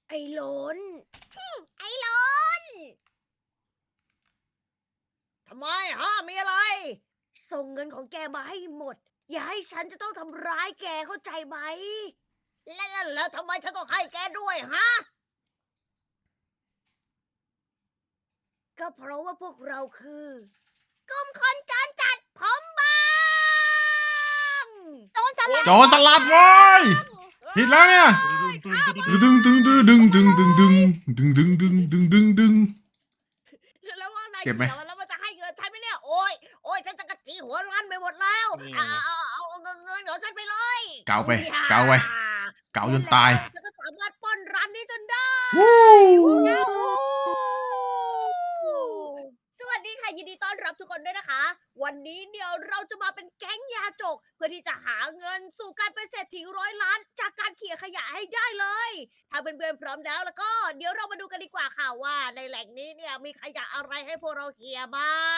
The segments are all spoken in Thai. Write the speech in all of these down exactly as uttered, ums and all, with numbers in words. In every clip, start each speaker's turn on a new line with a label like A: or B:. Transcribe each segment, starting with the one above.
A: ไอ้หลนไอ้หลนทำไมฮะมีอะไร ส่งเงินของแกมาให้หมด อย่าให้ฉันจะต้องทำร้ายแกเข้าใจไหม แล้วแล้วแล้วทำไมฉันต้องให้แกด้วยฮะ ก็เพราะว่าพวกเราคือกลุ่มคนจรจัดผมบาง
B: โจรสลัด
C: โจรสลัดเว้ยผิดแล้วเนี่ยดึงดึงดึงดึงดึงดึงดึงดึงดึงดึงดึงดึงดึง
A: แล้วว่านาย
C: เก็บไหม
A: เขียวแล้วมันจะให้เงินฉันไหมเนี่ย โอ้ยโอ้ยฉันจะกระจีหัวรั้นไปหมดแล้ว
D: นี่
A: เอาเอาเอาเอาเงินเงินของฉันไปเลย
C: เกาไป
A: อย่
C: เกาไปเกาจนตาย
A: แล้วก็สามารถปล้นร้านนี้จนได้
C: วู้
A: สวัสดีค่ะยินดีต้อนรับทุกคนด้วยนะคะ วันนี้เนี่ยเราจะมาเป็นแก๊งยาจก เพื่อที่จะหาเงินสู่การเป็นเศรษฐีร้อยล้านจากการเขี่ยขยะให้ได้เลย ถ้าเพื่อนๆพร้อมแล้วแล้วก็เดี๋ยวเรามาดูกันดีกว่าค่ะว่าในแหล่งนี้เนี่ยมีขยะอะไรให้พวกเราเขี่ยบ้าง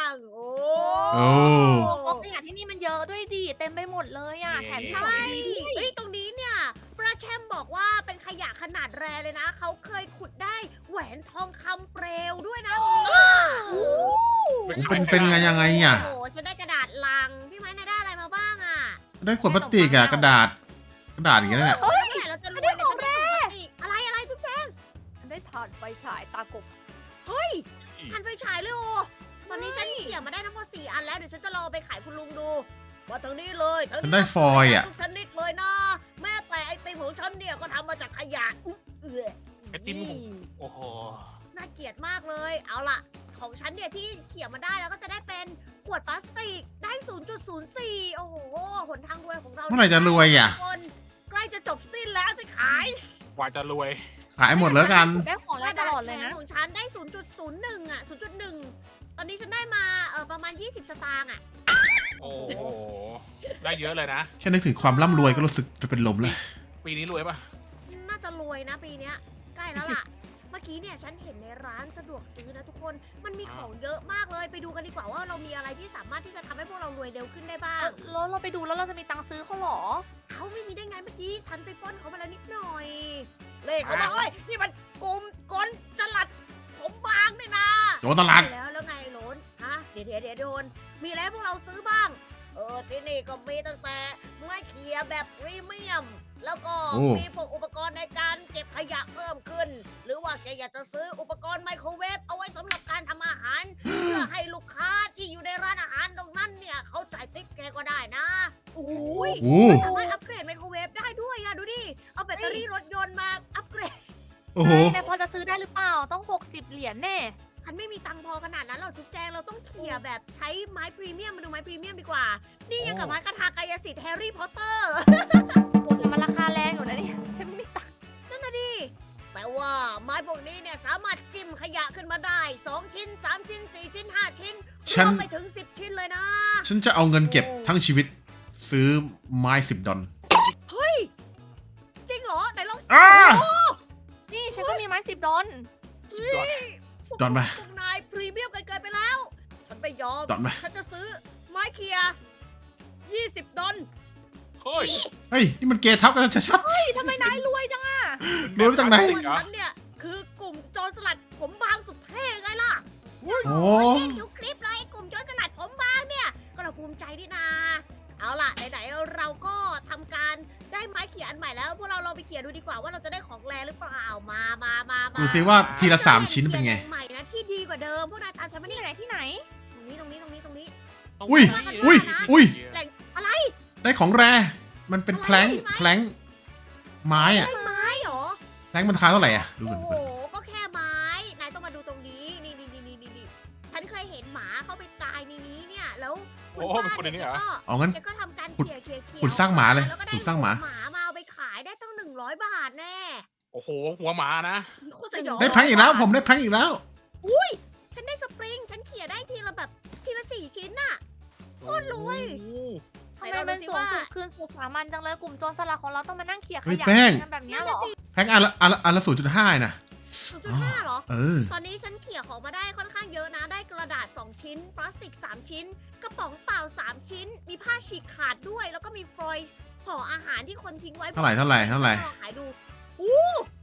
A: โอ้
C: โอ้
B: โอ้โหขยะที่นี่มันเยอะด้วยดิเต็มไปหมดเลยอ่ะ
D: นี่
B: แถม
A: ใช่
B: ดีด้วย
A: เฮ้ยตรงนี้เนี่ยปราแชมบอกว่าเป็นขยะขนาดแรเลยนะ เขาเคยขุดได้แหวนทองคำเปลวด้วยนะตรงนี้
B: โอ้
C: เป็นเป็นไงยังไงอ่ะ
A: โอ้โหจะได้กระดาษลัง พี่ไม้นายได้อะไรมาบ้างอ่ะ
C: ได้ขวดพลาสติกอะกระดาษ กระดาษอย่างเงี้ยเนี่ย
A: เฮ้ยเมื่อไหร่เราจะรวยเนี่ยฉันได้ถุงพลาสติกอะไรอะไรทุกแก
B: ฉันได้ถ่านไฟฉายตากบ
A: เฮ้ยทันไฟฉายเลยโอตอนนี้ฉันเขี่ยมาได้ทั้งหมดสี่อันแล้วเดี๋ยวฉันจะลองเอาไปขายคุณลุงดู ว่าทางนี้เลยทาง
C: ฉัน
A: นี้
C: ได้ฟอยล์อะ
A: ทุกชนิดเลยนะ แม้แต่ไอติมของฉันเนี่ยก็ทำมาจากขยะอุ๊ยเอื้อ
D: ไอติมของโอ้โห
A: น่าเกลียดมากเลย เอาล่ะ ของฉันเนี่ยที่เขี่ยมาได้แล้วก็จะได้เป็นขวดพลาสติกได้ ศูนย์จุดศูนย์สี่ โอ้โห หนทางรวยของเรา
C: เมื่อไหร่จะรวยอ่ะ
A: ทุกคนใกล้จะจบสิ้นแล้วจะขาย
D: กว่าจะรวย
C: ขายหมดแล้วกัน
B: ได้ของอะไรตลอดเลยนะ
A: กรดาษแข็งของฉันได้ ศูนย์จุดศูนย์หนึ่ง อ่ะ ศูนย์จุดหนึ่ง ตอนนี้ฉันได้มาเออประมาณ ยี่สิบ สตางค์อ่ะ
D: โอ้โห ได้เยอะเลยนะ
C: แค่นึกถึงความร่ำรวยก็รู้สึกจะเป็นลมเลย
D: ปีนี้รวยปะ
A: น่าจะรวยนะปีเนี้ยใกล้แล้วล่ะ เมื่อกี้เนี่ยฉันเห็นในร้านสะดวกซื้อนะทุกคน มันมีของเยอะมากเลย ไปดูกันดีกว่าว่าเรามีอะไรที่สามารถที่จะทำให้พวกเรารวยเร็วขึ้นได้บ้าง
B: แล้วเราไปดูแล้วเราจะมีตังค์ซื้อเขาเหรอ
A: เขาไม่มีได้ไงเมื่อกี้ฉันไปปล้นเขามาแล้วนิดหน่อย เลขเขามาเอ้ยนี่มันกลุ่มกลจลัดผมบางนี่นะ
C: โจรสลัด
A: ใช่แล้วแล้วไงโหลนฮะเดี๋ยวเดี๋ยวเดี๋ยวโดน มีอะไรให้พวกเราซื้อบ้าง เออที่นี่ก็มีตั้งแต่ไม้เขียแบบพรีเมียม แล้วก็
C: โอ้
A: มีพวกอุปกรณ์ในการเก็บขยะเพิ่มขึ้น หรือว่าแกอยากจะซื้ออุปกรณ์ไมโครเวฟเอาไว้สำหรับการทำอาหาร เพื่อให้ลูกค้าที่อยู่ในร้านอาหารตรงนั้นเนี่ยเขาจ่ายติ๊บแกก็ได้นะโอ้ย
C: โอ้
A: สามารถอัปเกรดไมโครเวฟได้ด้วยอะดูดิ เอาแบตเตอรี่รถยนต์มาอัปเกรด
C: โอ้โห
B: แต่พอจะซื้อได้หรือเปล่า ต้องหกสิบเหรียญแน่
A: ฉันไม่มีตังค์พอขนาดนั้นหรอกจุ๊บแจงเราต้องเขี่ยแบบใช้ไม้พรีเมียมมาดูไม้พรีเมียมดีกว่า นี่ยังกับไม้คาถากายสิทธิ์แฮร์รี่พอตเตอร์
B: โอ้แต่มันราคาแรงอยู่นะเนี่ยฉันไม่มีตังค์
A: นั่นน่ะดิ แต่ว่าไม้พวกนี้เนี่ยสามารถจิ้มขยะขึ้นมาได้ สอง ชิ้น สาม ชิ้น สี่ ชิ้น ห้า ชิ้น
C: ฉั
A: ร
C: น
A: วมไปถึง สิบ ชิ้นเลยนะ
C: ฉันจะเอาเงินเก็บทั้งชีวิต ซื้อไม้สิบดอล
A: เฮ้ย จริงเหรอไหนลอง
C: อ่า
A: โอ้
B: นี่ฉันก็มีไม้สิบดอล
D: สุดยอด
A: พวก
C: ดอนมา
A: พวกนายพรีเมียมกันเกินไปแล้ว ฉันไม่ยอม
C: ดอนมา
A: ฉันจะซื้อไม้เคียร์ยี่สิบดอล
D: เฮ้ย
C: เฮ้ย นี่มันเกย์ทับกันชัด
B: นี่ทำไมนายรวยจังอะ
C: รวยมาจากไหน
A: ส่วนฉันเนี่ยคือกลุ่มโจรสลัดผมบางสุดเท่ไงล่ะ
C: ๆ โอ้
A: โอ้ยเล่นทุกคลิปเลยไอ้กลุ่มโจรสลัดผมบางเนี่ย ก็เราภูมิใจดีนา เอาล่ะไหนๆเราก็ทำการได้ไม้เขียอันใหม่แล้วพวกเราลองไปเขียนดูดีกว่าว่าเราจะได้ของแรหรือเปล่ามามามามา
C: ดูซิว่าทีละสามชิ้นเป็นไง
A: ใหม่นะที่ดีกว่าเดิมพวกนายตามฉันมา
B: ที่
A: นี่
B: ไหนที่ไหน
A: ตรงนี้ตรงนี้ตรงนี้ตรงนี้
C: อุ้ยอุ้ยอุ้ย
A: แหล่งอะไร
C: ได้ของแร มันเป็นแพลงแพลงไม้อะ
A: ได้ไม้เหรอ
C: แพลงมันราคาเท่าไหร่อะดู
A: โอ้
C: ก่อน
A: โห ก็แค่ไม้ นายต้องมาดูตรงนี้ นี่นี่นี่นี่นี่นี่ฉันเคยเห็นหมาเข้าไปตายในนี้เนี่ย แล้วคุณ
D: โอ้โห
A: ป้า
D: เป็นคนในนี้
A: เนี่ย
D: เหรอ
A: ก็
C: เอางั้น
A: แกก็ทำการ
C: ขุด
A: เขี่ยเขี่ยเขี่ย
C: ขุดสร้างหมาเลย
A: แล้วก็ได้
C: ขุดสร้างหมา
A: หมามาเอาไปขายได้ตั้งหนึ่งร้อยบาทแน่
D: โอ้โห หัวหมานะ
A: โคตรสยอง
C: ได้แพลงอีกแล้ว ผมได้แพลงอีกแล้ว
A: ฉันได้สปริง ฉันเขี่ยได้ทีละแบบทีละสี่ชิ้นน่ะ โคตรรวย
D: โอ้โห
B: ทำไมมันสูงสุดคืนสู่สามัญจังเลยกลุ่มโจรสลัดของเราต้องมานั่งเขี่ยข
C: เฮ้ย
B: ยะ
C: แป้ง
B: กันแบบเนี้
A: นั่
B: ย
A: น
B: เหร
A: น่ะ
B: อ
A: สิ
C: แพลงอันละอันละอันละศูนย์จุดห้านะ
A: ศูนย์จุดห้าเหรอ
C: เออ
A: ตอนนี้ฉันเขี่ยของมาได้ค่อนข้างเยอะนะ ได้กระดาษ สอง ชิ้น พลาสติก สาม ชิ้น กระป๋องเปล่า สาม ชิ้น มีผ้าฉีกขาดด้วย แล้วก็มีฟอยล์ห่ออาหารที่คนทิ้งไว้
C: เท่าไหร่เท่าไหร่เท่าไหร่
A: ลองขายดูอู้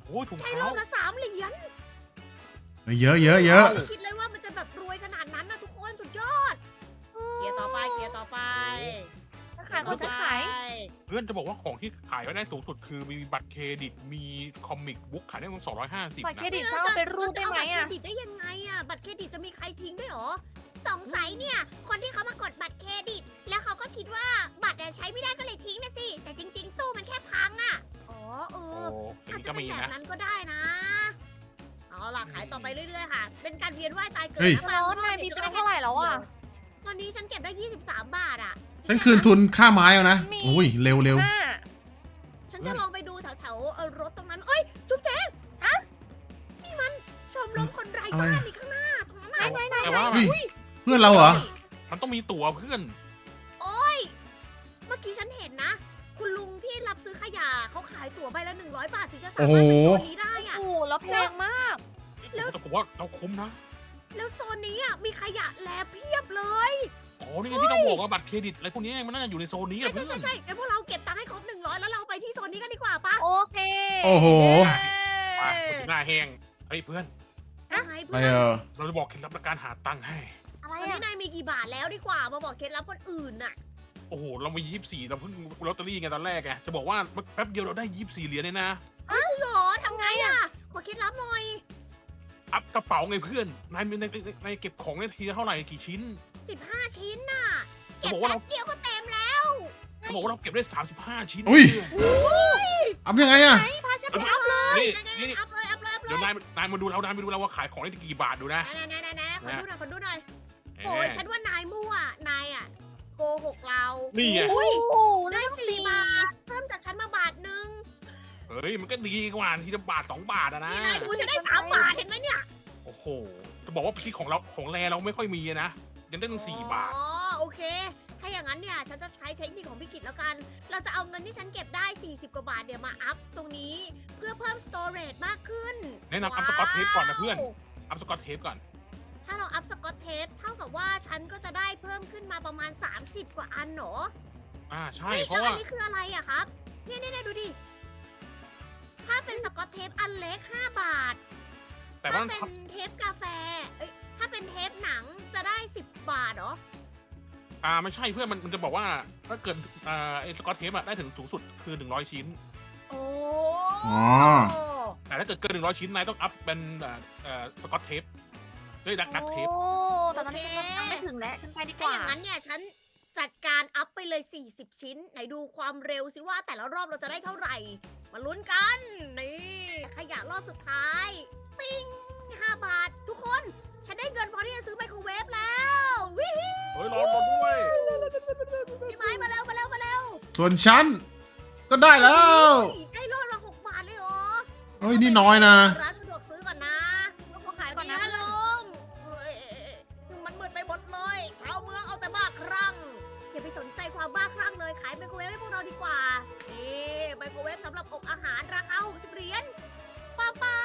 D: โอ้ยถุง
A: ได้
D: เท้าร
A: อบละสามเหรียญ
C: เยอะเยอะเยอะ
A: ไม่คิดเลยว่ามันจะแบบรวยขนาดนั้นนะทุกคนสุดยอดเคลียร์ต่อไปเคลียร์ต่อไป
B: จะขายก่อนจะขาย
D: เพื่อนจะบอกว่าของที่ขายได้สูงสุดคือมีบัตรเครดิตมีคอมิกบุ๊กขายได้ตั้งสองร้อยห้าสิบ
B: บัตรเคร
D: นะ
B: ดิตจะเอาไปรูดได้ไหม
A: เราจะเอาบัตรเคร
B: อ่ะ
A: ดิตได้ยังไงอะบัตรเครดิตจะมีใครทิ้งด้วยเหรอสงสัยเนี่ย คนที่เขามากดบัตรเครดิต แล้วเขาก็คิดว่าบัตรอะใช้ไม่ได้ก็เลยทิ้งนะสิ แต่จริงๆตู้มันแค่พังอะอ๋อเอ
D: โอ้
A: อ
D: อย่า
A: อาง จ
D: นี้
A: จะ
D: ก็
A: เป็น
D: มี
A: แบบ
D: นะ
A: นั้นก็ได้นะ เอาล่ะขายต่อไปเรื่อยๆค่ะ เป็นการเวียนว่ายตายเกิด
C: เฮ้ย
A: นะ
B: แล้ว
A: บางร
B: นา
A: อย บ
B: มี
A: เนี่ย
B: ตั
A: จะ
B: ง
A: ได้
B: ค์เท่าไหร่แล้วอ่ะ
A: ตอนนี้ฉันเก็บได้ ยี่สิบสาม บาทอะ
C: ฉันคืนทุนค่าไม้เอานะโอ้ยเร็วเร็ว
B: ห้า
A: ฉันจะลองไปดูแถวๆเอ่อรถตรงนั้น เอ้ย จุ๊บแจ๊งอะนี่มันชมรมคนไร้บ้านนี่ข้างหน้าตรงนั้นน่ะ
D: แต่ว่า
C: เพื่อนเราเหรอ
D: มันต้องมีตั๋วเพื่อน
A: โอ้ย เมื่อกี้ฉันเห็นนะ คุณลุงที่รับซื้อขยะเขาขายตั๋วใบละหนึ่งร้อยบาทถึงจะสามารถไปโซนนี้ได้อะ
B: โอ้โหแล้วแพงมาก
D: แต่ผมว่าเราคุ้มนะ
A: แล้วโซนนี้อ่ะมีขยะแลเพียบเลย
D: อ๋อ นี่ไงที่ต้องบอกว่าบัตรเครดิตอะไรพวกนี้มันน่าจะอยู่ในโซนนี้
A: ใช่
D: อะ
A: ใช่
D: เพื่อ
A: ใช่
D: น
A: ใช่งั้นพวกเราเก็บตังค์ให้ครบหนึ่งร้อยแล้วเราไปที่โซนนี้กันดีกว่าปะ
B: โอเค
C: โอ้โห
D: ไปคนหน้าแห้งเฮ้ยเพื่อน
A: ยังไง
C: อะไร
A: เพื่อน
C: เออ
D: เราจะบอกเคล็ดลับในการหาตังค์ให้
B: อะไร
A: ตอนนี้
B: อ่ะ
A: นายมีกี่บาทแล้วดีกว่ามาบอกเคล็ดลับคนอื่นน่ะ
D: โอ้โห เรามียี่สิบสี่เราเพิ่งลอตเตอรี่ไงตอนแรกไงจะบอกว่าแป๊บเดียวเราได้ยี่สิบสี่เหรียญเลยนะ
A: หรอทำไงอ่ะขอเคล็ดลับหน่อย
D: อัพกระเป๋าไงเพื่อน นายมีในในในเก็บของในทีละเท่าไหร่กี่ชิ้น
A: สิบห้าชิ้นน่ะ
D: จะ
A: เก็บ
D: บอกว่า
A: แป๊
D: เรา
A: บเดียวก็เต็มแล้ว
D: จะบอกว่าเราเก็บได้สามสิบห้าชิ้น
C: อุ้ย
D: เพื่อน
C: เอายังไงอะ
A: ไหนพาฉันไปอัพเลย
D: นี่
A: ไหนๆๆ
D: นี่
A: อัพเลยอัพเลยอัพเล
D: เดี๋ยวย นายนายมาดูเรานายมาดูเราว่าขายของได้กี่บาทดูนะ
A: ไหนไหนไหนไหนขอดูหน่อยขอดูหน่อย
D: เอ๊ะ
A: โอ้ยฉันว่านายมั่วนายอ่ะโกหกเรา
D: นี่ไง
B: โอ้โห
A: ได้
B: ได้
A: สี่
B: สี่
A: บาทเพิ่มจากฉันมาบาทหนึ่ง
D: เฮ้ยมันก็ดีกว่าทีละบาทสองบาทอะนะ
A: นี่นายดูฉันได้สามบาทเห็นไหมเนี่ย
D: โอ้โห จะบอกว่าที่ของเราของแรเราไม่ค่อยมีอะนะ ยังได้ตั้งสี่บาท
A: อ๋อโอเค ถ้าอย่างนั้นเนี่ยฉันจะใช้เทคนิคของพี่กิตแล้วกัน เราจะเอาเงินที่ฉันเก็บได้ สี่สิบ กว่าบาทเนี่ยมาอัพตรงนี้ เพื่อเพิ่ม storage มากขึ้น
D: แนะนำอัพสกอตเทปก่อนนะเพื่อน อัพสกอตเทปก่อน
A: ถ้าเราอัพสกอตเทปเท่ากับว่าฉันก็จะได้เพิ่มขึ้นมาประมาณ สามสิบ กว่าอันเหรอ
D: อ่าใช่
A: เฮ้ย
D: เพ
A: แล้ว
D: ราะ
A: อั
D: ว่า
A: นนี้คืออะไรอะครับ เนี่ยเนี่ยเนี่ยดูดิ ถ้าเป็นสกอตเทปอันเล็ก ห้า บาท
D: แต่ว่า
A: ถ้าเป็นเทปกาแฟ เอ้ย ถ้าเป็นเทปหนังจะได้ สิบ บาทเหรอ
D: อ่าไม่ใช่เพื่อนมันมันจะบอกว่าถ้าเกิดอ่าไอ้สกอตเทปอะได้ถึงสูงสุดคือหนึ่งร้อยชิ้น
A: โอ้
C: อ๋อ
D: แต่ถ้าเกิดเกินหนึ่งร้อยชิ้นนายต้องอัพเป็นเอ่อเอ่อสกอตเทปด้วยดักดักเทป
B: โอ้แต่ตอนนี้ฉันยังไม่ถึงแล้วฉันไปดีก
A: ถ้า
B: ว่า
A: อย่างนั้นเนี่ยฉันจัดการอัพไปเลย สี่สิบ ชิ้น ไหนดูความเร็วสิว่าแต่ละรอบเราจะได้เท่าไหร่ มาลุ้นกัน นี่ ขยะรอบสุดท้าย ปิ้ง ห้า บาท ทุกคน ฉันได้เงินพอที่จะซื้อไมโครเวฟแล้ววิฮิ
D: เฮ้ยรอรอด้วย
A: พี่ไม้มาเร็วมาเร็วมาเร็ว
C: ส่วนฉันก็ได้แล้ว
A: ได้รอบละหกบาทเลยเหรอ
C: เฮ้ยนี่น้อยนะ
A: ร้านสะดวกซื้อก่อนนะ
B: ต้องขายก่อนนะ
A: เดี๋ยวลุงเอ้ยมันมืดไปหมดเลย ชาวเมืองเอาแต่บ้าคลั่ง อย่าไปสนใจความบ้าคลั่งเลย ขายไมโครเวฟให้พวกเราดีกว่า นี่ไมโครเวฟสำหรับอบอาหารราคาหกสิบเหรียญป้ามป้าม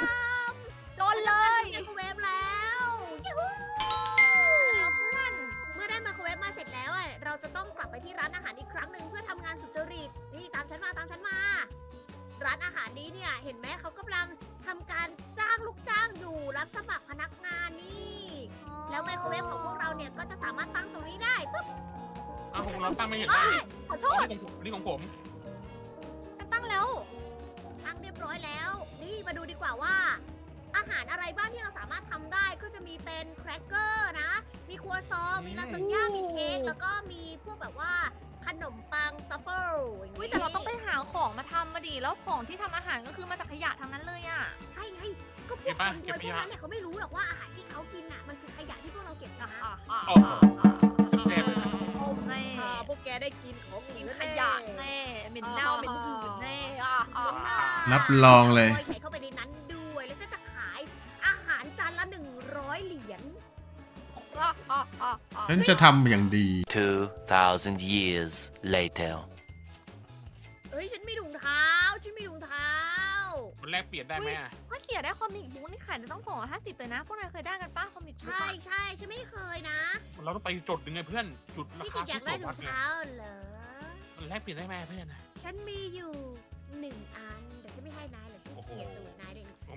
B: โดนเลย
A: ไมโครเวฟแล้วยูฮู
B: แล้วเพื่อน
A: เมื่อได้ไมโครเวฟมาเสร็จแล้วอะเราจะต้องกลับไปที่ร้านอาหารอีกครั้งหนึ่งเพื่อทำงานสุจริต นี่ตามฉันมาตามฉันมา ร้านอาหารนี้เนี่ยเห็นไหมเขากำลังทำการจ้างลูกจ้างอยู่รับสมัครพนักงานนี่ แล้วไมโครเวฟของพวกเราเนี่ยก็จะสามารถตั้งตรงนี้ได้ปุ๊บ
D: อ้าวของเราตั้งไม่เห็น
A: เอ้
D: ได้
A: ยขอโท
D: อ๋อ
A: ษ
D: นี่ของผมนี่ของผม
B: ฉันตั้งแล้ว
A: ตั้งเรียบร้อยแล้ว นี่มาดูดีกว่าว่า อาหารอะไรบ้างที่เราสามารถทำได้ก็จะมีเป็นแครกเกอร์นะ มีครัวซอง มีลาซานญ่า มีเค้ก แล้วก็มีพวกแบบว่าขนมปังซัฟเฟิลอย่าง
B: อุ้ย
A: นี้
B: แต่เราต้องไปหาของมาทำมาดิแล้วของที่ทำอาหารก็คือมาจากขยะทั้งนั้นเลยอ่ะ
A: ใช่ไง ก็พวกคนรวยพวกนั้นเนี่ยเขาไม่รู้หรอกว่าอาหารที่เขากินน่ะมันคือขยะที่พวกเราเก็บนะ
D: โอ้โหแซ่บเลยนะ
B: โอ้แม่
A: อ่าพวกแกได้กินของ
B: กิน
A: เหลือ
B: ขยะแน่เหม็นเน่าเหม็นหืนแน่อ่ะอ่ะ
A: แน่
C: รับรองเลย
A: ใส่เข้าไปในนั้นด้วย แล้วจะจะขายอาหารจานละหนึ่งร้อยเหรียญ
B: อ่ะอ่ะอ่ะอ่ะ
C: ฉันจะทำอย่างดี
E: Two thousand years later.
A: เฮ้ย ฉันมีถุงเท้า ฉันมีถุงเท้า
D: มันแลกเปลี่ยนได้ไหมอะ
B: ถ้าเขียนได้คอมิกบุ๊กนี่ขายได้ต้องสองร้อยห้าสิบเลยนะ พวกนายเคยได้กันป้าคอมิกบุ๊ก
A: ใช่
B: อะ
A: ใช่ฉันไม่เคยนะ
D: เราต้องไปจุดหนึ่งไงเพื่อน จุดรา
A: พี่
D: คา
A: กิจอ
D: ซื้
A: ยา
D: อก ตั๋ววัดไง
A: ได้ถุงเท้าเหรอ
D: มันแลกเปลี่ยนได้ไหมเพื่อนนะ
A: ฉันมีอยู่หนึ่งอัน เดี๋ยวฉันไม่ให้นายหรอกฉัน
D: โอ้โห
A: เขียนตูดนายด้วย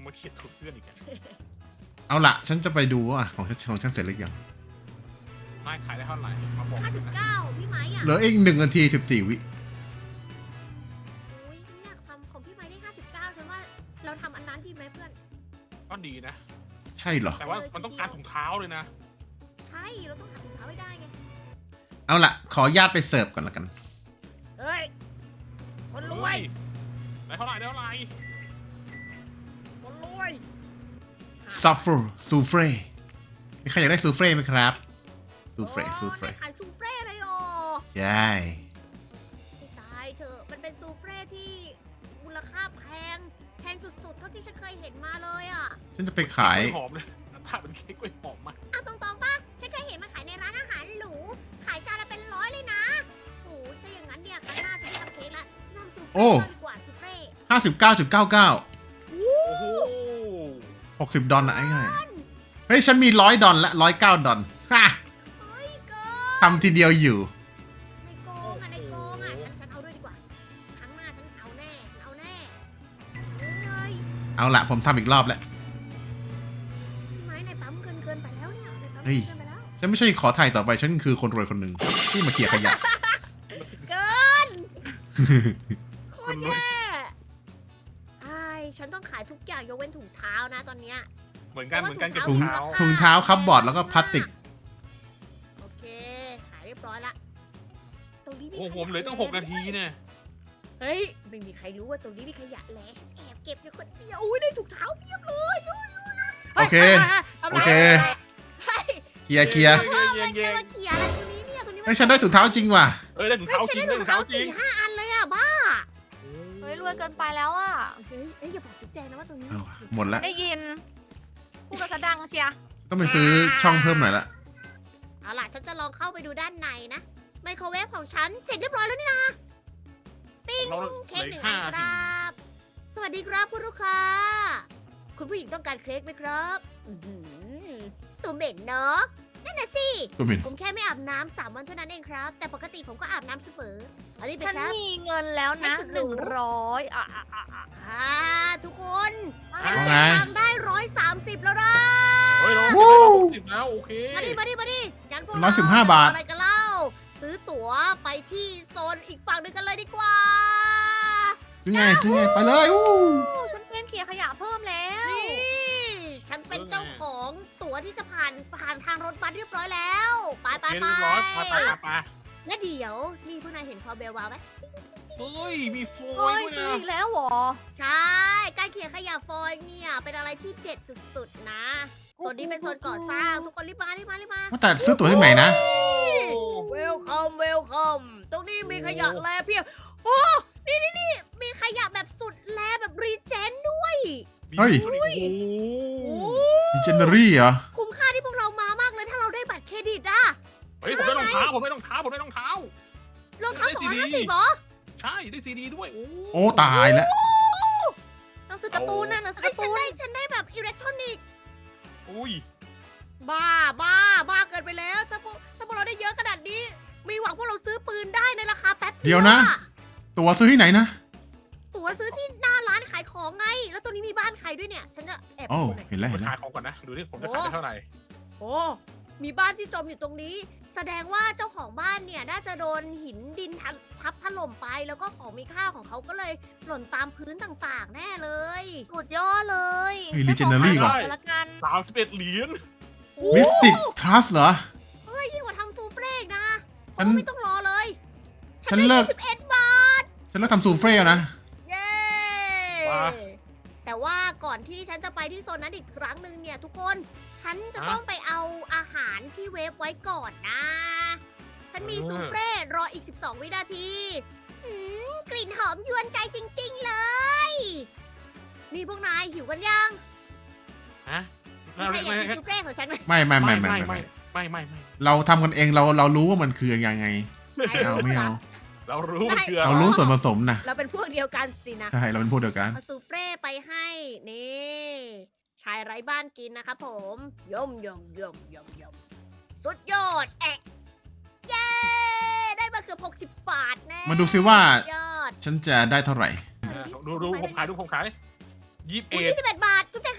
D: มาเขียนถูกเพื่อนอีกอะ
C: เอาละฉันจะไปดูว่าของฉันของฉันเสร็จหรือยัง
D: นายขายได้เท่าไหร่มาบอก
A: ห้า
D: เล
A: สิ
D: ย
A: บ
D: นะ
A: เก้าพี่ไม้อ่ะ
C: เหลืออีกหนึ่งนาทีสิบสี่วิ
A: อุ้ยฉันอยากทำของพี่ไม้ได้ห้าสิบเก้าฉันว่าเราทำอันนั้นดีไหมเพื่อน
D: ก็ดีนะ
C: ใช่เหรอ
D: แต่ว่ามันต้องการถุงเท้าเลยนะ
A: ใช่เราต้องหาถุงเท้าให้ได้ไง
C: เอาละขออนุญาตไปเสิร์ฟก่อนละกัน
A: เฮ้ยคนรวย
D: ได้เท่าไหร่ได้เท่าไหร่
A: คนรวย
C: ซัฟเฟอร์ซูเฟ่มีใครอยากได้ซูเฟ่ไหมครับซูเฟ่
A: โอ้
C: ซูเฟ่
A: นายขายซูเฟ่เลยอ๋อ
C: ใช่
A: ไม่ตายเถอะมันเป็นซูเฟ่ที่มูลค่าแพงแพงสุดๆเท่าที่ฉันเคยเห็นมาเลยอ่ะ
C: ฉันจะไปขาย
D: กล้วยหอมเลยถ้าเป็นเค้กกล้วยหอมมาก
A: เอาตรงๆป่ะฉันเคยเห็นมันขายในร้านอาหารหรูขายจานละเป็นร้อยเลยนะโอ้ยถ้าอย่างนั้นเนี่ยครั้งหน้าฉันไม่ทำเค้กละฉันทำซูเฟ่
C: โอ้
A: ดีกว่าซูเฟ่
C: ห้าสิบเก้าจุดเก้าเก้า
D: โอ้โห
C: หกสิบดอลนะไอ้ง่ายเฮ้ยฉันมีร้อยดอลละร้อยเก้าดอลฮ่า
A: เฮ้ยเกิน
C: ทำทีเดียวอยู่
A: ในโกงอ่ะในโกงอ่ะฉันฉันเอาด้วยดีกว่าครั้งหน้าฉันเอาแน่ฉันเอาแน่เฮ้ย
C: เอาละผมทำอีกรอบแล้ว
A: พี่ไม้ในปั๊มเกินเกินไปแล้วเนี่ยในปั๊ม
C: เฮ้ย
A: เกินไปแล้ว
C: ฉันไม่ใช่ขอถ่ายต่อไป ฉันคือคนรวยคนหนึ่งที่มาเขี่ยขยะ
A: เกินโคตรแย่ไอ้ายฉันต้องขายทุกอย่างยกเว้นถุงเท้านะตอนเนี้ย
D: เหมือนกันเหมือนกันเก็บ
C: ถุ
D: ถุ
C: ง
D: งเท้า
C: ถุงเท้าคับบอร์ดแล้วก็พลาสติก
A: โอเค ขายเรียบร้อยละ ตรงนี้มี
D: โอ้โห
A: ข
D: ผมเหลือตั้งหกนาทีเนี่ย
A: เฮ้ย ไม่มีใครรู้ว่าตรงนี้มีขยะแล้วฉันแอบเก็บอยู่คนเดียวอุ้ยได้ถุงเท้าเพียบเลยอุ้ยอุ้ย
C: โอเค
A: ฮ้ย
C: โอเค
A: เฮ้ย
C: เคลียร์เคลียร์
D: เย้เย้เย้
A: จะมาเขี่ยอะไรตรงนี้เนี่ยตรงนี้มั
C: เฮ้ยฉันได้ถุงเท้าจริงว่ะ
D: เอ้ยได้ถุงเท้าจริงได้ถุงเท้าจริง
A: สี่ห้าอันเลยอ่ะบ้า
B: เฮ้ยรวยเกินไปแล้วอ่ะ
A: เฮ้ยเอ้ยอย่าบอกจุ๊บแจงนะว่าตรงนี้
C: เอาหมดละ
B: ได้ยินพูดกระดังเชียร์
C: ต้องไปซื้อช่องเพิ่มหน่อยละ
A: เอาล่ะฉันจะลองเข้าไปดูด้านในนะ ไมโครเวฟของฉันเสร็จเรียบร้อยแล้วนี่นะปิ้ง
D: เรา
A: เค้กหนึ่ง
D: เหลื
A: อั
D: อน อีก
A: ค
D: ห้า
A: รับ สวัสดีครับคุณลูกค้า คุณผู้หญิงต้องการเค้กไหมครับอื้อหือตัวเหม็นเนาะนั่นน่ะสิ
C: ตัวหมิน
A: ผมแค่ไม่อาบน้ำสามวันเท่านั้นเองครับ แต่ปกติผมก็อาบน้ำเสมออันนี้เป็น
B: ฉัน
A: ครับ
B: มีเงินแล้วนะ
A: ให้สุด
B: ห
A: หรู
B: นึ่งร้อยอ่ะอ่ะอ่ะอ่ะ
A: อ่าทุกคน
D: อ่ะ
C: ว่า
A: เก็
C: ไง
A: บตังค์ได้ร้อยสามสิบแล้วนะ
D: เฮ้ยเราเก็บได้ร้อยหกสิบแล้วโอเค
A: มาดิมาดิมาดิงั้นพวก
C: ร้อยสิบห้าบาท
A: อะไรกันเล่า ซื้อตั๋วไปที่โซนอีกฝั่งหนึ่งกันเลยดีกว่า
C: ซื้อไงซื้อไงไปเลยอู้
B: โอ้ฉันเป็นเขียขยะเพิ่มแล้ว
A: นี่ ฉันเป็นเจ้าของตั๋วที่จะผ่านผ่านทางรถบัสเรียบร้อยแล้วไปไป
D: เรีย
A: ไป
D: บร้อยไปไปไปไป
A: และเดี๋ยว นี่พวกนายเห็นความเบลวาวไหม
D: เฮ้ยมีโฟ
B: เฮ้
D: ย
B: ย
D: ด้วย
B: ซื้อ
D: นะ
B: อีกแล้วเหรอ
A: ใช่ การเขียนขยะฟอยล์เนี่ย เป็นอะไรที่เด็ดสุดๆนะ โซนนี้เป็นโซนก่อสร้าง ทุกคนรีบมารีบมารีบมา
C: ว่าแต่ซื้อตั๋วที่ไหนนะ
A: เวลคัมเวลคัมตรงนี้มีขยะแลเพียบโอ้นี่นี่นี่มีขยะแบบสุดแลแบบรีเจนด้วย
C: เฮ้ย
D: โอ้โห
A: โอ้
C: มีเจนเนอรี่เหรอ
A: คุ้มค่าที่พวกเรามามากเลยถ้าเราได้บัตรเครดิตอะ
D: เฮ้ยผมได้รองเท้าผมได้รองเท้าผมได้รองเท้าร
A: องเท้า
D: ได้
A: สอง
D: ซี
A: ร้อย
D: ดี
A: ห้าสิบเหรอ
D: ใช่ได้ซีดีด้วยโอ้
C: โอ้ตายแล้ว
B: หนังสือการ์ตูนนะหนังสือ
A: ไอ้
B: กาย ร์
A: ฉั
B: ตู
A: น
B: น
A: ได้ฉันได้แบบอิเล็กทรอนิกส์
D: อุ้ย
A: บ้าบ้าบ้าเกินไปแล้ว ถ้าพวกถ้าพวกเราได้เยอะขนาดนี้ มีหวังพวกเราซื้อปืนได้ในราคาแป๊บ
C: เดี๋ยวนะ
A: อ
C: ตั๋วซื้อที่ไหนนะ
A: ตั๋วซื้อที่หน้าร้านขายของไง แล้วตัวนี้มีบ้านใครด้วยเนี่ย ฉันจะแอบ
C: โอ้
A: ดูหน่อย
C: เห็นแล้ว
D: ไป
C: เห็นแล้
D: ขายว ของก่อนนะดูดิผมจะขายได้เท่าไหร่
A: โอ้มีบ้านที่จมอยู่ตรงนี้ แสดงว่าเจ้าของบ้านเนี่ยน่าจะโดนหินดินทับทับถล่มไป แล้วก็ของมีค่าของเขาก็เลยหล่นตามพื้นต่างๆ แน่เลย
B: สุดยอดเลย
C: เฮ้ย Legendary ว่ะ
B: ขอละกัน
D: สามสิบเอ็ดเหรียญ
C: มิสติกทรัสเหรอ
A: เฮ้ยยิ่งกว่าทำซูเฟ่อีกนะ
C: ฉัน
A: โอ้ไม่ต้องรอเลย
C: ฉันเลิก
A: สิบเอ็ดบาท
C: ฉันเลิกทำซูเฟ่แล้วนะ
A: เย้แต่ว่าก่อนที่ฉันจะไปที่โซนนั้นอีกครั้งหนึ่งเนี่ยทุกคน ฉันจะต้องไปเอาอาหารที่เวฟไว้ก่อนนะ ฉันมีซูเฟ่รออีกสิบสองวินาทีหืมกลิ่นหอมยวนใจจริงๆเลย นี่พวกนายหิวกันยัง
D: ฮะ
A: มีใครอยากกินซูเฟ่ของฉันไหม
C: ไม่ไม่ไม่
D: ไม่
C: ไม่
D: ไม่
C: ไม่
D: ไม่ไม่ไม่ไม่
C: เราทำกันเองเราเรารู้ว่ามันคือยังไงไม่เอาไม่เอา
D: เรารู้มันคืออะ
C: เรา
D: ไร
C: รู้ส่วนผสมนะ
A: เราเป็นพวกเดียวกันสินะ
C: ใช่เราเป็นพวกเดียวกัน
A: เอาซูเฟ่ไปให้นี่ชายไร้บ้านกินนะครับผมยมยมยมยมยมสุดยอดแอะเย้ได้มาเกือบหกสิบบาทแน่
C: มาดูซิว่า
A: ยอด
C: ฉันจะได้เท่าไหร่
D: ดูดูผมขายดูผมขายยี่สิบ
A: อุ้ย
D: เอ็ด
A: ยี่สิบเอ็ดบาทจุ๊บ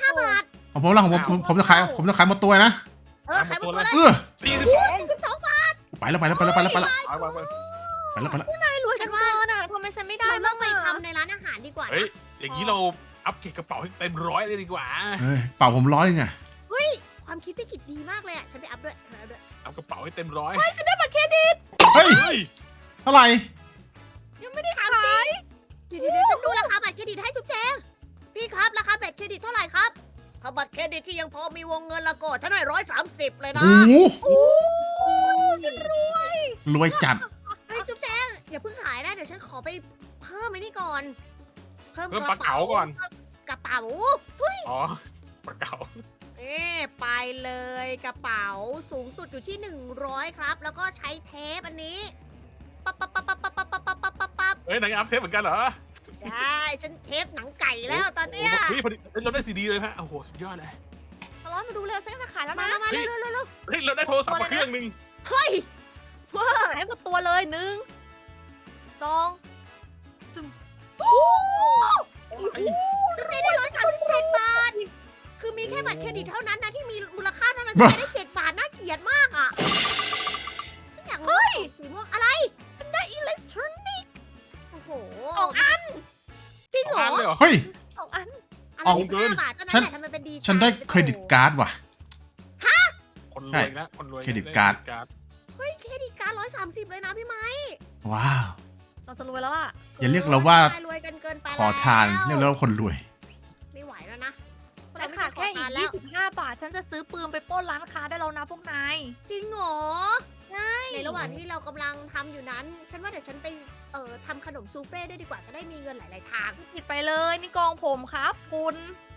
A: าบาท
C: ของผมละของผมผมผมจะขายผมจะขายหมดตัวนะ
A: เออขายหมดตัวเลย
C: เออ
D: สี่สิบสอง
A: สิบสองบาท
C: ไปแล้วไปแล้วไปแล้วไปแล้วไปแล้ว
D: ไปไปไป
C: ไปแล้วไปแล้ว
B: นายรวยกันเกินอ่ะทำไมฉันไม่ได้
A: เราต้
B: บ้า
A: อง งไป
B: อะ
A: ทำในร้านอาหารดีกว่า
D: เฮ้ย
A: นะ
D: อย่างนี้เราอัพเกรดกระเป๋าให้เต็มร้อยเลยดีกว่า
C: เฮ้ยเป่าผมร้อยไง
A: เฮ้ยความคิดพี่กิจดีมากเลยอ่ะฉันไปอัพด้วยฉันไปอัพด้วย
D: อัพกระเป๋าให้เต็มร้อย
B: เฮ้ยฉันได้บัตรเครดิต
C: เฮ้ย
D: เฮ้ย
C: เท่าไหร่
B: ยังไม่ได้
A: ถาม
B: ขาย
A: จริงเดี๋ยวเดี๋ยวฉันดูราคาบัตรเครดิตให้ทุกแจงพี่ครับราคาบัตรเครดิตเท่าไหร่ครับถ้าบัตรเครดิตที่ยังพอมีวงเงินละก็ฉันให้ร้อยสามสิบเลยนะ
C: โอ้โห
A: โอ้ฉันรวย
C: รวยจัด
A: เฮ้ยจุ๊บแจงอย่าเพิ่งขายนะเดี๋ยวฉันขอไปเพิ่มไอ้นี่ก่อน
D: เพิ่มปลาเก๋าก่อน
A: กระเป๋า
D: อ๋อปลาเก๋า
A: เอ๊ไปเลยกระเป๋าสูงสุดอยู่ที่หนึ่งร้อยครับ แล้วก็ใช้เทปอันนี้ปั๊บปั๊บปั๊บปั๊บปั๊บปั๊บปั๊บปั๊บปั๊บปั๊บ
D: เฮ้ยนายอัพเทปเหมือนกันเหรอ
A: ใช่ฉันเทปหนังไก่แล้วตอนเนี้ย
D: โอ้โหเฮ้ยพอดีเฮ้ยเราได้ซีดีเลยฮะโอ้โหสุดยอดเลย
B: ตลอดมาดูเร็วฉันจะขายแล้ว
A: มา
B: นะ
A: มาเร็วเร็วเร็วเร็ว
D: เฮ้ยเราได้โทรศัพท์มาเครื่องหนึง
A: เฮ้ยเว้อ
B: ขายหมดตัวเลยหนึ่งสอง
A: โอ้โห
D: ไอ้
A: ได้ได้ร้อยสามสิบเจ็ดบาท คือมีแค่บัตรเครดิตเท่านั้นนะที่มีมูลค่าเท่านั้นจะได้เจ็ดบาทน่าเกลียดมากอ่ะฉันอยากรู้สีม่วงอะไร
B: ฉันได้อิเล็กทรอนิกส์
A: โอ้โห
B: สองอัน
A: จริง
D: ส
A: เห
D: อ
A: รง
D: อันเลย
A: อ
D: เหรอ
C: เฮ้ย
B: สองอัน
A: อะไร
C: เอา
A: ห้าบาทเท่านั้น
C: ฉัน
A: แหละทำไมเป็นดี
C: ฉันได้เครดิตการ์ดว่ะ
D: คนรวยนะคนรวยนะ
C: เครดิตการ์ด
A: เฮ้ยเครดิตการ์ดร้อยสามสิบเลยนะพี่ไม้
C: ว้าว
B: เราจะรวยแล้วอ่ะ
C: อย่าเรียกเราว่า
A: รวยกันเกินไป
C: ขอทานเรียกเราว่าคนรวย
A: ไม่ไหวแล้วนะ
B: ฉันขาดแค่อีก
A: แล้ว
B: ยี่สิบห้าบาท ฉันจะซื้อปืนไปปล้นร้านค้าได้แล้วนะพวกนาย
A: จริงเหรอ
B: ใช่
A: ในระหว่างที่เรากำลังทำอยู่นั้น ฉันว่าเดี๋ยวฉันไปเอ่อทำขนมซูเฟ่ด้วยดีกว่าจะได้มีเงินหลาย ๆ ทาง
B: ผิดไปเลยนี่กองผมครับ คุณ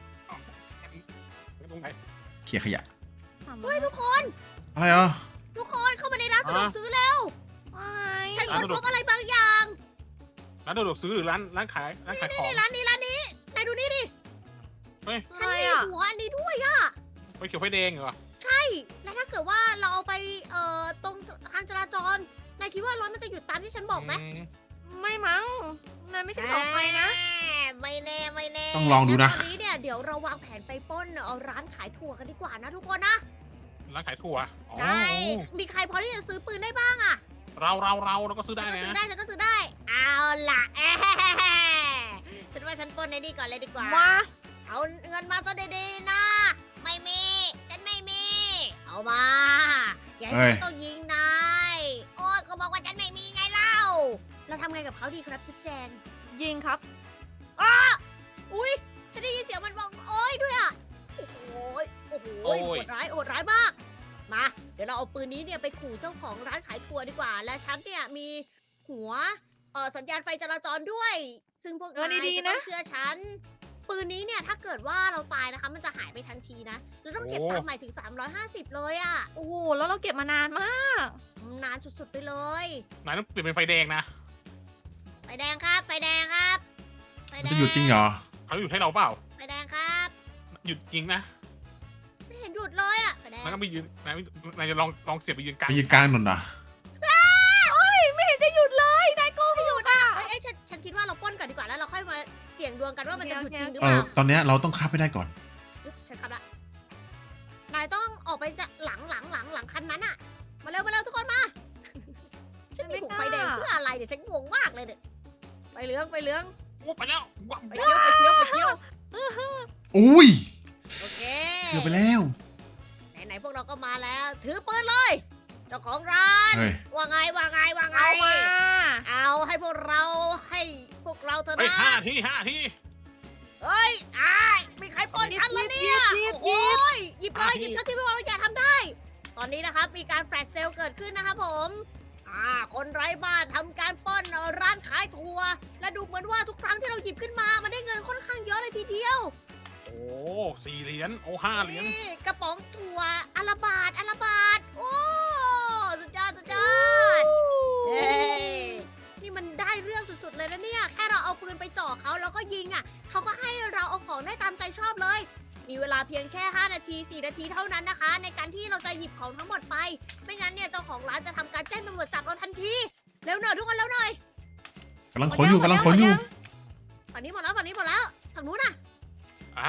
D: ตรงไหน
C: เขี่ยขยะ
A: เฮ้ยทุกคน
C: อะไรอ่ะ
A: ทุกคนเข้ามาในร้านสะดวกซื้อแล้ว
B: ไม่
A: ฉันค้นพบอะไรบางอย่าง
D: ร้านสะดวกซื้อหรือร้านร้านขายร้านขายของ
A: นี่ร้านนี้ร้านนี้นายดูนี่ดิ
D: เฮ้ย
A: ฉัน
B: อะไร
A: มี
B: อ่ะ
A: หัวอันนี้ด้วยอะ
D: ไฟเขียวไฟแดงเหรอ
A: ใช่ แล้วถ้าเกิดว่าเราเอาไปเอ่อตรงทางจราจรนายคิดว่ารถมันจะหยุดตามที่ฉันบอกไหม
D: ม
B: ไม่มั้งนายไม่ใช่ของใครนะ
A: ไม่แน่ไม่แน่
C: ต้องลองดูนะ
A: งั้ตอนนี้เนี่ยเดี๋ยวเราวางแผนไปปล้นเอาร้านขายถั่วกันดีกว่านะทุกคนนะ
D: ร้านขายถั่วอ๋อ
A: ใช่ มีใครพอที่จะซื้อปืนได้บ้างอะ
D: เราเราเราเราก็ซื้อ
A: ฉั
D: ได้
A: นก็
D: นะ
A: ซื้อได้ฉันก็ซื้อได้ เอาล่ะ แอะฉันว่าฉันปล้นในนี่ก่อนเลยดีกว่า
B: มา
A: เอาเงินมาซะดีๆนะ ไม่มี ฉันไม่มี เอามา อย่าให้
C: เฮ้ย
A: ฉันต้องยิงนาย โอ้ยก็บอกว่าฉันไม่มีไงเล่า เราทำไงกับเขาดีครับพี่แจง
B: ยิงครับ
A: อุ้ยฉันได้ยินเสียงมันบอกโอ้ยด้วยอ่ะ โอ้โหยโอ้โหยโหดร้ายโหดร้ายมาก มา เดี๋ยวเราเอาปืนนี้เนี่ยไปขู่เจ้าของร้านขายถั่วดีกว่า และฉันเนี่ยมีหัวเอ่อสัญญาณไฟจราจรด้วย ซึ่งพวก
B: เออน
A: าย
B: ดี
A: จะ
B: ๆ
A: ต้
B: นะ
A: องเชื่อฉัน ปืนนี้เนี่ยถ้าเกิดว่าเราตายนะคะ มันจะหายไปทันทีนะ เราต้องเก็บตังค์ใหม่ถึง สามร้อยห้าสิบ เลยอะ
B: โอ้โหแล้วเราเก็บมานานมาก
A: นานสุดๆไปเลย
D: นายต้องเปลี่ยนเป็นไฟแดงนะ
A: ไฟแดงครับ ไฟแดงครับ ไฟ
C: มัน
A: แด
C: จะ
A: ง
C: หยุดจริงเหรอ
D: เขาหยุดให้เราเปล่า
A: ไฟแดงครับ
D: หยุดจริงนะ
A: ไม่เห็นหยุดเลยอะไฟแดง
D: นายก็ไปยืนนายนายจะลองลองเสียบไปยืนกลาง
C: ไปยืนกลางถนนเหรอ
B: ไม่เห็นจะหยุดเลยนายโกหกอ่ะ
A: เอ้ยเอ้ยฉันฉันคิดว่าเราปล้นก่อนดีกว่าแล้วเราค่อยมาเสี่ยงดวงกันว่ามันจะหยุดจริงหรือ
C: เอ
A: เป
C: อ
A: ล่า
C: ตอนเนี้ยเราต้องข้ามไปได้ก่อน
A: ปึ๊บฉันขับละ นายต้องออกไปจากหลังหลังหลังหลังคันนั้นอะมาเร็วมาเร็วทุกคนมา ฉันมี
B: ไม่
A: ผูก
B: กล้า
A: ไฟแดงเพื่ออะไรเดี๋ยวฉันงงมากเลยเนี่ยไฟเหลืองไฟเหลือง
D: โอ้ไปแล้วว้าว
A: ไฟเขียวไฟเขียวไฟเขียว
C: อุ้ย
A: โอเค
C: เกือบไปแล้ว
A: ไหนๆพวกเราก็มาแล้ว ถือปืนเลย เจ้าของร้าน
C: เฮ้ย
A: ว่าไงว่าไงว่าไง
B: เอามา
A: เอาให้พวกเราให้พวกเราเถอะ
D: ไป
A: นะ
D: ห้าที่ห้าที่
A: เฮ้ยอ้ายมีใครปล้นฉันแล้วเนี่ย
B: หยิบหยิบหยิบ
A: โอ้ยหยิบเลยหยิบเท่าที่พวกเราอยากทำได้ ตอนนี้นะครับมีการแฟลชเซลล์เกิดขึ้นนะครับผมอ่าคนไร้บ้านทำการปล้นเอ่อร้านขายถั่วและดูเหมือนว่าทุกครั้งที่เราหยิบขึ้นมา มันได้เงินค่อนข้างเยอะเลยทีเดียว
D: โอ้สี่เหรียญโอ้ห้าเหรียญ
A: นี่กระป๋องถั่วอาราบาทอาราบาทโอ้สุดยอดสุดยอดเฮ้ยนี่มันได้เรื่องสุดๆเลยนะเนี่ยแค่เราเอาปืนไปจ่อเขาแล้วก็ยิงอ่ะเขาก็ให้เราเอาของได้ตามใจชอบเลย มีเวลาเพียงแค่ห้านาทีสี่นาทีเท่านั้นนะคะ ในการที่เราจะหยิบของทั้งหมดไป ไม่งั้นเนี่ยเจ้าของร้านจะทำการแจ้งตำรวจจับเราทันทีเร็วหน่อยทุกคนเร็วหน่อย
C: กำลังขนอยู่กำลังขนอยู่
A: ฝั่งนี้หมดแล้วฝั่งนี้หมดแล้วฝั่งนู้นน่ะ
D: อ่ะ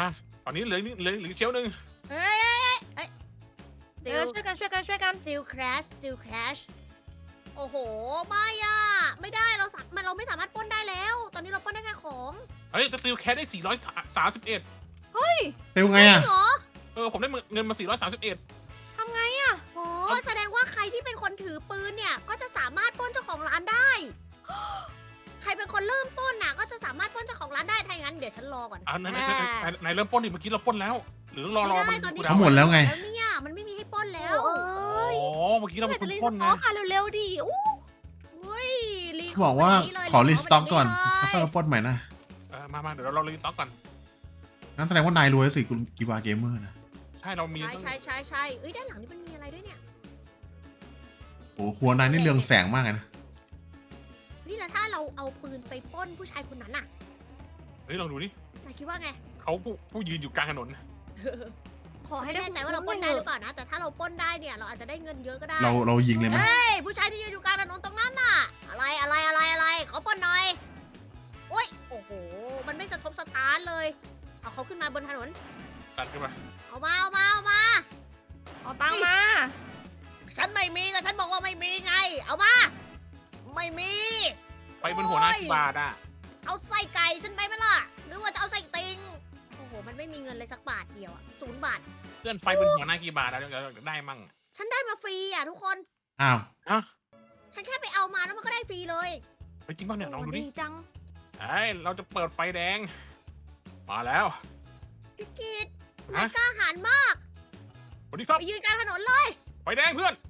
D: ตอนนี้เหลือเหลือเหลือเชลหนึ่ง
A: เฮ้ยเฮ้ยเฮ้ย
B: เดี๋ยวช่วยกันช่วยกันช่วยกัน
A: still crash still crash โอ้โห ไม่อะไม่ได้เราสามันเราไม่สามารถปล้นได้แล้ว ตอนนี้เราปล้นได้แค่ของ
D: เฮ้ยจะติวแคสได้สี่ร้อยสามสิบเอ็ด
C: เร็วไงอ่ะ
A: จริงเหรอ
D: เออผมได้เงินมาสี่ร้อยสามสิบเอ็ด
B: ทำไงอ่ะ
A: โอ้แสดงว่าใครที่เป็นคนถือปืนเนี่ย ก็จะสามารถปล้นเจ้าของร้านได้ ใครเป็นคนเริ่มปล้นน่ะ ก็จะสามารถปล้นเจ้าของร้านได้ ถ้าอย่างนั้นเดี๋ยวฉันรอก่อน
D: อ่านายนายนายนายเริ่มปล้นดิเมื่อกี้เราปล้นแล้ว หรือรอรอ
A: ไม่
D: มัน
A: ได้ตอนนี้
C: เขาหมดแล้วไง
A: แล้วเนี่ยมันไม่มีให้ปล้นแล้ว
B: โอ้ย
D: อ๋อเมื่อกี้เรา
B: เมื่
D: เป็
B: อน
D: ค
B: จะ
D: น
B: รี
D: ปล้น
B: ส
D: ไง
B: ต็อกค่ะเร็วๆดิอู้
A: เฮ้ยรี
C: เขาบอกว่า
A: ข
C: ขอ
A: อง
C: รี
A: วันนี้เลย
C: สต็อกก่อน
A: ข
C: แล้ว
A: ง
C: ค่อย
A: วั
C: มาปล้นใหม่นะ
D: เออมามาเดี๋ยวเรารีสต็อกก่อน
C: งั้นแสดงว่านายรวยสิคุณกีบาเกมเมอร์นะ
D: ใช่เรามี
A: ใช่
D: ตั้ง
A: ใช่ใช่ใช่เอ้ยด้านหลังนี่มันมีอะไรด้วยเนี่ย
C: โอ้หัวนายนี่เรืองแสงมากเลยนะ
A: เฮ้ยแล้วถ้าเราเอาปืนไปปล้นผู้ชายคนนั้นน่ะ
D: เฮ้ยลองดูนี่
A: นายคิดว่าไง
D: เขาผู้ผู้ยืนอยู่กลางถนน
B: ขอให้
A: ไม่
B: ได้
A: แน่ใจว่าเราปล้นได้หรือเปล่านะ แต่ถ้าเราปล้นได้เนี่ยเราอาจจะได้เงินเยอะก็ได้
C: เราเรายิงเลยไหม
A: เฮ้ยผู้ชายที่ยืนอยู่กลางถนนตรงนั้นน่ะ อะไรอะไรอะไรอะไรขอปล้นหน่อยโอ้ยโอ้โหมันไม่สะทกสะท้านเลย เอาเขาขึ้นมาบนถนน
D: ตัดขึ้นมา
A: เอามาเอามาเอามา
B: เอาตังค์มา
A: ฉันไม่มีก็ฉันบอกว่าไม่มีไง เอามา ไม่มี
D: ไปบนหัวหน้ากี่บาทอ่ะ
A: เอาไส้ไก่ฉันไปไหมล่ะ หรือว่าจะเอาไส้ติงโอ้โหมันไม่มีเงินเลยสักบาทเดียวอะศูนย์บาท
D: เพื่อนไฟบนหัวหน้ากี่บาทอะเดี๋ยวเราได้มั่งอะ
A: ฉันได้มาฟรีอ่ะทุกคน
C: อ้าว
D: ฮะ
A: ฉันแค่ไปเอามาแล้วมันก็ได้ฟรีเลย
D: เฮ้ยจริงป่ะเนี่ยลองดูดิ
B: ดีจัง
D: ไอ้ยเราจะเปิดไฟแดง มาแล้ว
A: พี่กิต
D: ฮะ
A: นายกล้าหาญมาก
D: สวัสดีครับ
A: ไปยืนกลางถนนเลย
D: ไฟแดงเพื่อน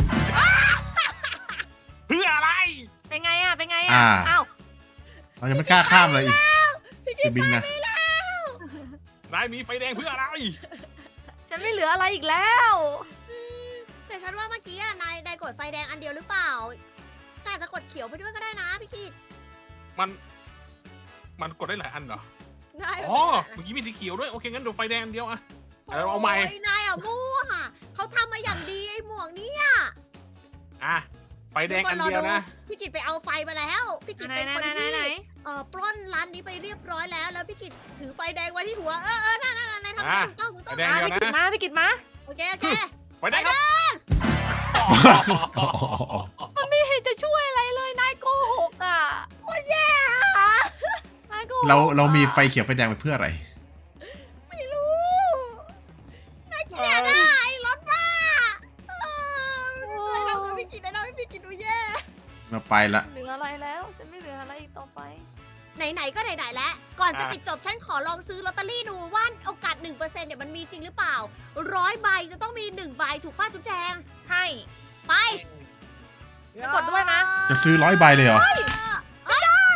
D: เพื่ออะไร
B: เป็นไงอ่ะเป็นไงอ่ะ
C: อ่า
B: อ้าว
C: เรายังไม่กล้าข้ามเลยอีกไปบิงนะ
D: นายมีไฟแดงเพื่ออะไร
B: ฉันไม่เหลืออะไรอีกแล้ว
A: แต่ฉันว่าเมื่อกี้อะนายนายกดไฟแดงอันเดียวหรือเปล่าแต่อาจจะกดเขียวไปด้วยก็ได้นะพี่กิต
D: มัน มันกดได้หลายอันเหรอ
A: นาย
D: อ๋อ เมื่อกี้มีสีเขียวด้วย โอเคงั้นเดี๋ยวไฟแดงอันเดียวอะเอาเอาใหม่
A: โยนายอ่ะมั่วเขาทำมาอย่างดีไอ้หมวกเนี้
D: อ่ะ ไฟแดงอันเดียวนะ
A: พี่กิตไปเอาไฟมาแล้ว พี่กิต
B: ไหน
A: เป็น
B: ไหน
A: คน
B: ไหนไหน
A: ที่
B: ไหน
A: เอ่อปล้นร้านนี้ไปเรียบร้อยแล้ว แล้วพี่กิตถือไฟแดงไว้ที่หัว เออเออนั่นนั่นนั่นทำให้
D: อ่ะ
A: ถูกต้องถูกต้อง
D: ไฟแดง
B: อ่ะ
D: เดียว
B: พี่กิ
D: นะ
B: ดมาพี่กิดมา
A: โอเคโอเค
D: ไฟแดงครับ
B: มันไม่เห็นจะช่วยอะไรเลยนายโกหกอ่ะ
A: โคตรแย่อะ
B: นายโกหก
C: เราเรามี
B: อะ
C: ไฟเขียวไฟแดงไปเพื่ออะไร
A: ไม่รู้น่าเกลียดอะไอ้รถบ้าเออไม่ทำกับพี่กิตได้นะพี่กิตดูแย่
C: เราไปละ
B: เหลืออะไรแล้ว ฉันไม่เหลืออะไรอีกต่อไป
A: ไหนๆก็ไหนๆแล้ว ก่อนจะ
D: อ่ะ
A: ปิดจบฉันขอลองซื้อลอตเตอรี่ดูว่าโอกาส หนึ่งเปอร์เซ็นต์ เนี่ยมันมีจริงหรือเปล่าร้อยใบจะต้องมีหนึ่งใบถูกป้าจุ๊บแจง
B: ให้
A: ไป
B: จะกดด้วยมะ
C: จะซื้อร้อยใบเลยเหรอ
A: เอ้ย
C: โอ้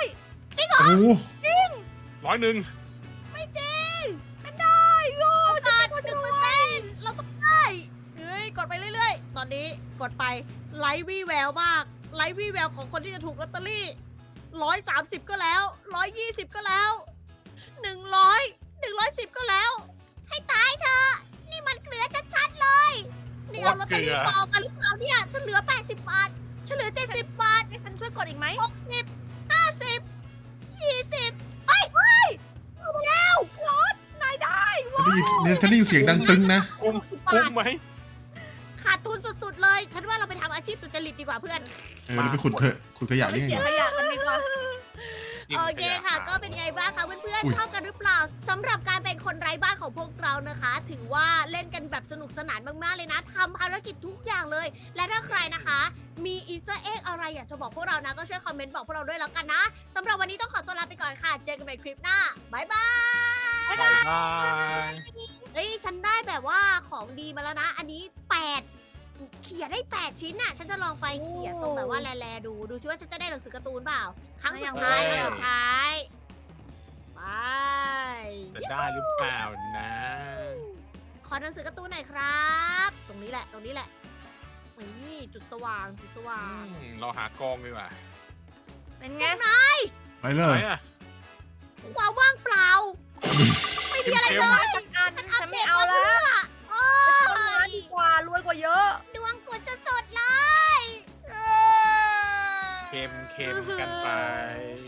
D: ร้อยหนึ่ง
A: ไม่จริง
B: ไม่ได้โย
A: โอกาสหนึ่งเปอร์เซ็นต์เราต้องได้เฮ้ยกดไปเรื่อยๆ ตอนนี้กดไปไลฟ์วี่แววมากไลฟ์วี่แววของคนที่จะถูกลอตเตอรี่ร้อยสามสิบก็แล้วร้อยยี่สิบก็แล้วหนึ่งร้อยหนึ่งร้อยสิบก็แล้ว ให้ตายเถอะนี่มันเกลือชัดๆเลยนี่เอาลอตเตอรี่ปลอมมาหรือเปล่าเนี่ยฉันเหลือแปดสิบบาทฉันเหลือเจ็ดสิบบาท
B: ให้ฉันช่วยกดอีกไหม
A: หกสิบห้าสิบยี่สิบเอ้ยเฮ้ยเอาไปแล้ว
B: นายได้
C: ฉันได้ยินฉันได้ยินเสียงดังตึงนะ
D: คุ้มคุ้มไหม
A: ขาดทุนสุดๆเลยฉันว่าเราไปทำอาชีพสุจริตดีกว่าเพื่อน
C: เออเราไปขุดเถอะขุดขยะ
B: ไป
C: นี่ไง
B: เขียนขยะกันดีกว่า
A: โอเคค่ะ ก็เป็นไงบ้างคะเพื่อน
C: อุ๊ย
A: ๆชอบกันหรือเปล่าสำหรับการเป็นคนไร้บ้านของพวกเรานะคะ ถือว่าเล่นกันแบบสนุกสนานมากๆเลยนะทำภารกิจทุกอย่างเลย และถ้าใครนะคะ มีอีสเตอร์เอ็กอะไรอยากจะบอกพวกเรานะก็ช่วยคอมเมนต์บอกพวกเราด้วยแล้วกันนะสำหรับวันนี้ต้องขอตัวลาไปก่อนค่ะ เจอกันใหม่คลิปหน้าบายบาย
D: บายบาย
A: เฮ้ยฉันได้แบบว่าของดีมาแล้วนะ อันนี้แปดเขียนได้แปดชิ้นน่ะ ฉันจะลองไปเขียนตรงแบบว่าแลๆดู ดูซิว่าฉันจะได้หนังสือการ์ตูนเปล่า ครั้งสุดท้ายครั้งสุดท้ายไป
D: จะได้หรือเปล่านะ
A: ขอหนังสือการ์ตูนหน่อยครับ ตรงนี้แหละ ตรงนี้แหละ นี่จุดสว่าง จุดสว่าง
D: อืมเราหากองดีกว่า
B: เป็นไง
C: ไปเล
D: ไหน
C: ย
D: อะ
A: ความว่างเปล่า ไม่มีอะไรเลย
B: จัดการ
A: ฉัน
B: ฉั
A: อั
B: น
A: ปเด
B: ไม่
A: ต
B: เอา
A: มา
B: แล้ว
A: เพื่อโอ้
B: ทำงาน
A: ย
B: ดีกว่ารวยกว่าเยอะ
A: ดวงกุดสุดๆเลยเออ
D: เค็มเค็มกันไป